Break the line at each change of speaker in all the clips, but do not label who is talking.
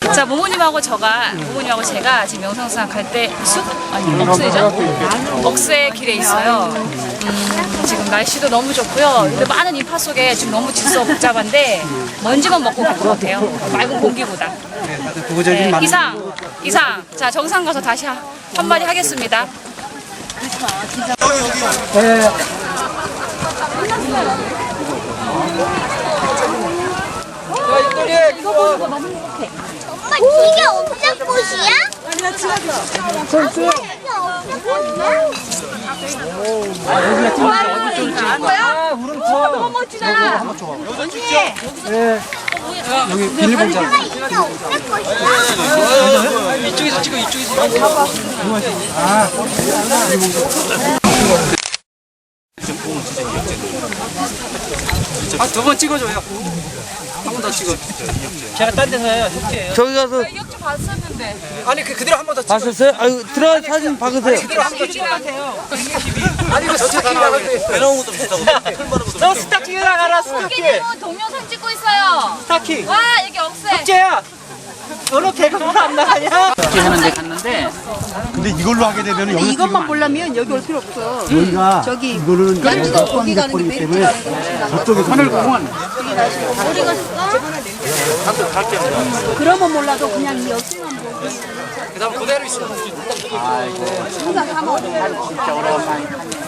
자, 모모님하고 제가 지금 명성산 갈 때 숲? 아니, 억새죠? 억새 길에 있어요. 지금 날씨도 너무 좋고요. 근데 많은 인파 속에 지금 너무 질서 복잡한데 먼지만 먹고 갈 것 같아요. 맑은 공기보다. 네, 이상. 자, 정상 가서 다시 한마디 하겠습니다.
엄마 이게 옥색꽃이야? 아니야 찍었어. 이게 옥색꽃이야?
너무 멋지잖아.
여기 비닐봉지.
이게 옥색꽃이야?
이쪽에서 찍어, 이쪽에서. 두 번 찍어줘요. 한 번 더 찍어. 제가 딴 데서 해요. 협조해요.
저기 가서
이역주 봤었는데.
아니 그대로 한 번 더 찍어.
봤었어요? 아유 들어가 사진 박으세요.
그대로 한 번 더 찍어. 아니 이거 스타킹 나가는데. 내놓은 것도 비싸고. 너 스타킹 나가라 스타킹.
동영상 찍고 있어요.
스타킹.
와, 여기 억새.
협조야. 너는 개그물 안 나가냐?
하는데 갔는데
근데 이걸로 하게 되면 여기
이것만 보려면 여기 올 필요 없어.
여기가
저기
이거는
여기가 거기 가는 게
버리기
메리트
때문에
가는 거지.
저쪽에서 하늘공원
그러면 몰라도 그냥 이 역시만 보고
그다음 그대로 있어.
항상 사먹어.
진짜 오랜만에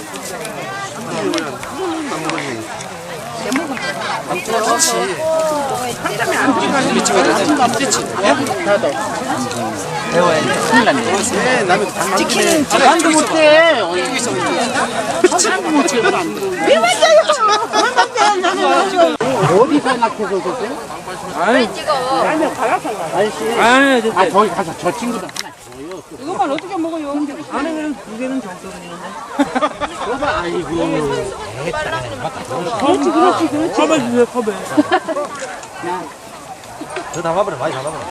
배워야 돼. 큰일 났네.
찍히는
안도 못해. 어디서 낙해서 그러세요?
빨리 찍어.
아니, 저기 가서 저 친구들
이것만 어떻게 먹어요?
안에는 두 개는 정석은이는데. 봐봐, 아이고.
그렇지. 컵에 주세요 컵에.
저 담아버려 많이 담아버려